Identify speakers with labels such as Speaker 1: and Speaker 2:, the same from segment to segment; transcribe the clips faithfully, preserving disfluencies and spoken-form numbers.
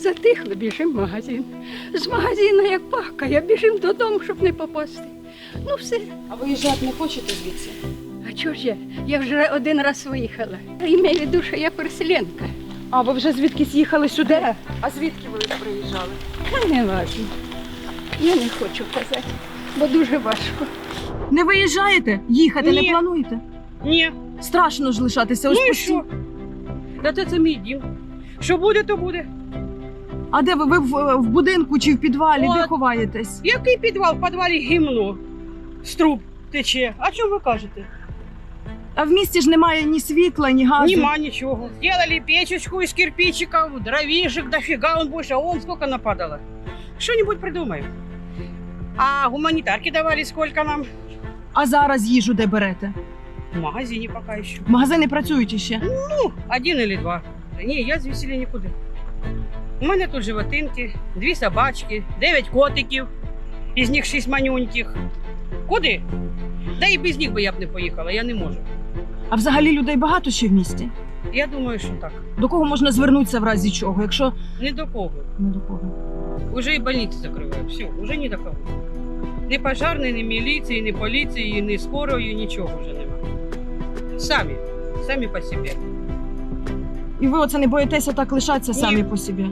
Speaker 1: затихли, біжимо в магазин. З магазину, як пахкає, біжимо додому, щоб не попасти. Ну все.
Speaker 2: А виїжджати не хочете звідси?
Speaker 1: А чого ж я? Я вже один раз виїхала. І маю в виду, що я переселенка.
Speaker 2: А ви вже звідкись їхали сюди?
Speaker 1: Да.
Speaker 2: А звідки ви приїжджали?
Speaker 1: Та не важно. Я не хочу казати, бо дуже важко.
Speaker 3: Не виїжджаєте? Їхати
Speaker 4: Ні.
Speaker 3: не плануєте?
Speaker 4: Ні.
Speaker 3: Страшно ж лишатися ось
Speaker 4: Ну і
Speaker 3: постійно.
Speaker 4: що? Та це, це мій дім. Що буде, то буде.
Speaker 3: А де ви? Ви в, в будинку чи в підвалі? Де
Speaker 4: От.
Speaker 3: ховаєтесь?
Speaker 4: Який підвал? В підвалі гімно. З труб тече. А чому ви кажете?
Speaker 3: А в місті ж немає ні світла, ні газу.
Speaker 4: Нема нічого. Сделали печечку из кирпичиков, дровишек дофига, он больше, а он сколько нападало. Что-нибудь придумаем. А гуманитарки давали сколько нам?
Speaker 3: А зараз їжу де берете?
Speaker 4: В магазине пока еще.
Speaker 3: Магазини працюють іще.
Speaker 4: Ну, один или два. Ні, я звідсіля нікуди. У мене тут животинки, дві собачки, дев'ять котиків, із них шість манюньких. Куди? Да і без них би я б не поїхала, я не можу.
Speaker 3: А взагалі людей багато ще в місті?
Speaker 4: Я думаю, що так.
Speaker 3: До кого можна звернутися в разі чого, якщо
Speaker 4: Не до кого.
Speaker 3: не до кого?
Speaker 4: Уже і больниці закривають, все, уже ні до кого. Ні пожарної, ні міліції, ні поліції, ні скорої, нічого вже немає. Самі, самі по собі.
Speaker 3: І ви оце не боїтеся так лишатися
Speaker 4: Ні.
Speaker 3: самі по собі?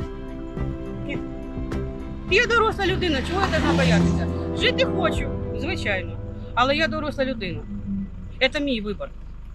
Speaker 4: Я доросла людина, чого я должна боятися? Жити хочу, звичайно, але я доросла людина. Це мій вибір.